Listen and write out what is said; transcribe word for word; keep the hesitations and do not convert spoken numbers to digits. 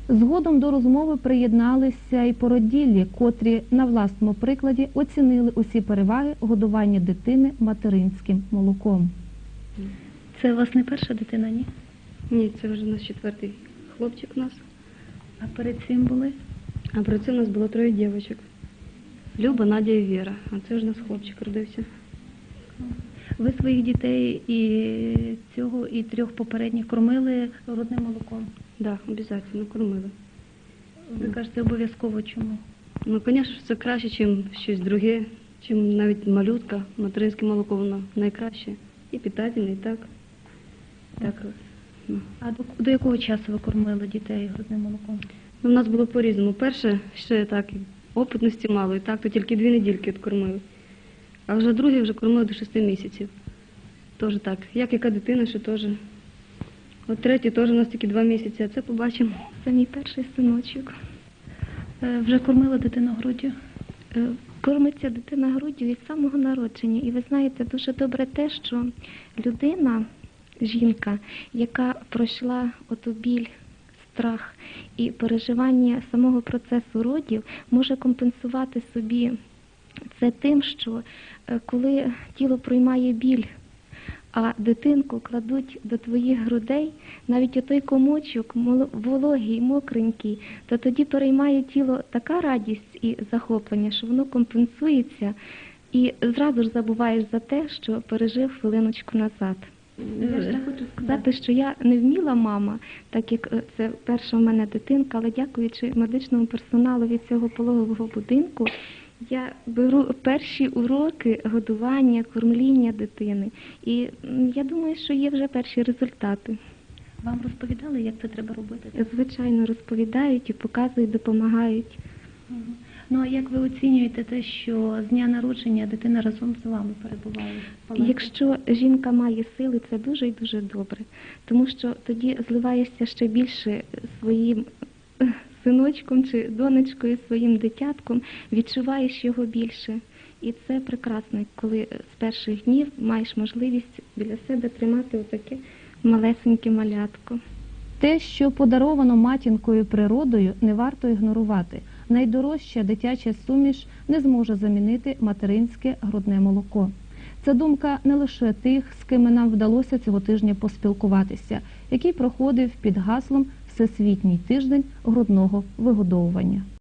Згодом до розмови приєдналися і породіллі, котрі на власному прикладі оцінили усі переваги годування дитини материнським молоком. Це у вас не перша дитина, ні? Ні, це вже у нас четвертий хлопчик у нас. А перед цим були? А перед цим у нас було троє дівчаток. Люба, Надя і Віра. А це вже у нас хлопчик родився. Ви своїх дітей і цього, і трьох попередніх кормили грудним молоком? Так, да, обов'язково кормили. Ви кажете, обов'язково чому? Ну, звісно, це краще, ніж щось друге, ніж навіть малютка. Материнське молоко, воно найкраще. І питательне, і так. так. Ну. А до, до якого часу ви кормили дітей грудним молоком? Ну, у нас було по-різному. Перше, ще так, опитності мало, і так, то тільки дві недільки кормили. А вже друге вже кормили до шести місяців. Теж так. Як яка дитина, що теж. От третій теж у нас тільки два місяці, а це побачимо. Це мій перший синочок. Е, вже кормила дитину груддю? Е, Кормиться дитина груддю від самого народження. І ви знаєте, дуже добре те, що людина, жінка, яка пройшла оту біль, страх і переживання самого процесу родів, може компенсувати собі це тим, що е, коли тіло приймає біль, а дитинку кладуть до твоїх грудей, навіть отой комочок вологий, мокренький, то тоді переймає тіло така радість і захоплення, що воно компенсується і зразу ж забуваєш за те, що пережив хвилиночку назад. Я ж хочу сказати, що я не вміла мама, так як це перша в мене дитинка, але дякуючи медичному персоналу від цього пологового будинку, я беру перші уроки годування, кормління дитини. І я думаю, що є вже перші результати. Вам розповідали, як це треба робити? Звичайно, розповідають і показують, допомагають. Угу. Ну, а як ви оцінюєте те, що з дня народження дитина разом з вами перебуває? Якщо жінка має сили, це дуже і дуже добре. Тому що тоді зливаєшся ще більше своїм синочком чи донечкою, своїм дитятком, відчуваєш його більше. І це прекрасно, коли з перших днів маєш можливість біля себе тримати отаке малесеньке малятко. Те, що подаровано матінкою природою, не варто ігнорувати. Найдорожча дитяча суміш не зможе замінити материнське грудне молоко. Це думка не лише тих, з ким нам вдалося цього тижня поспілкуватися, який проходив під гаслом «Всесвітній тиждень грудного вигодовування».